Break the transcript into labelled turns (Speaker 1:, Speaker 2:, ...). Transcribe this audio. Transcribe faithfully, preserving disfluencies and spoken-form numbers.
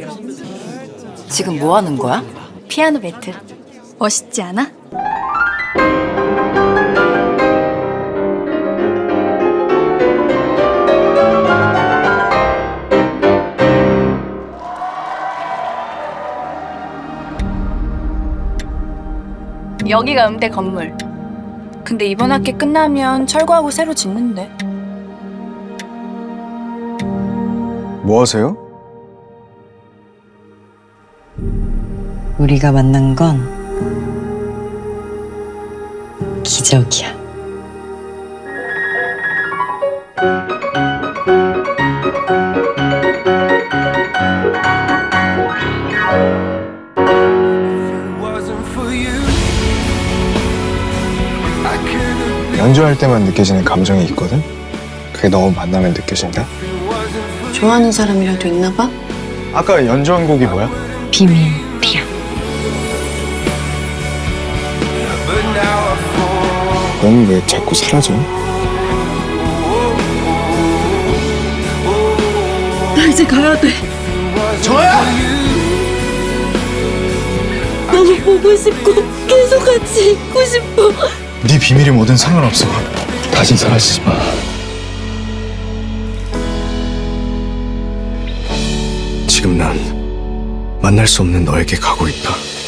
Speaker 1: 지금 뭐 하는 거야?
Speaker 2: 피아노 배틀. 멋있지 않아? 여기가 음대 건물. 근데 이번 학기 끝나면 철거하고 새로 짓는데.
Speaker 3: 뭐 하세요?
Speaker 1: 우리가 만난 건 기적이야.
Speaker 3: 연주할 때만 느껴지는 감정이 있거든? 그게 너무 만나면 느껴진다?
Speaker 4: 좋아하는 사람이라도 있나 봐?
Speaker 3: 아까 연주한 곡이 뭐야?
Speaker 1: 비밀 피아노.
Speaker 3: 넌 왜 자꾸 사라져?
Speaker 4: 나 이제 가야 돼.
Speaker 3: 저야!
Speaker 4: 너무 보고 싶고 계속 같이 있고 싶어.
Speaker 3: 네 비밀이 뭐든 상관없어. 다신 사라지지 마. 지금 난 만날 수 없는 너에게 가고 있다.